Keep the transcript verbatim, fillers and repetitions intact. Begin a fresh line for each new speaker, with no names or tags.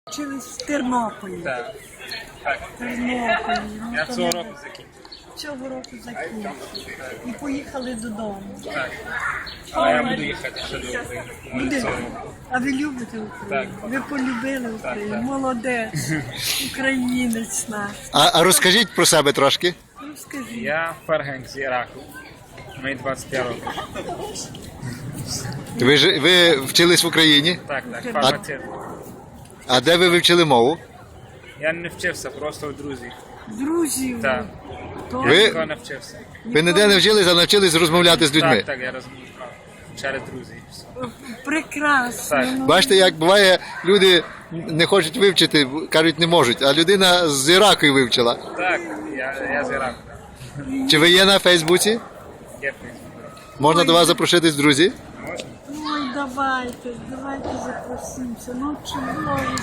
Вчились в Тернополі.
Так. Так.
В Тернополі. Ну,
Я
то
цього
ми
року закінчив.
Цього року закінчили. І поїхали додому.
Так. А я буду їхати ще до України. Може,
Буде.
цього року.
А ви любите Україну?
Так.
Ви полюбили Україну?
так.
Молодець. Українець наш.
А, а розкажіть про себе трошки.
Розкажіть.
Я ферганг з Іраку. Мені двадцять п'ять років.
Ви, ж- ви вчились в Україні,
Так, так, фармацевт.
а де ви вивчили мову?
Я не вчився, просто у друзів.
Друзів.
Так.
То
Я
Ви-
нікого не вчився.
Ви ніде не вчились, а навчились розмовляти з людьми.
Так, так, я розумію. Через друзів. і все.
прекрасно.
Так.
Ну,
Бачите, як буває, люди не хочуть вивчити, кажуть, не можуть, а людина з Іраку вивчила.
Так, я, я з Іраку. Так.
Чи ви є на Фейсбуці?
Є Фейсбук.
Можна до вас запроситись, друзі?
Можна?
Ой, давайте, давайте запросимося. Ну чудово.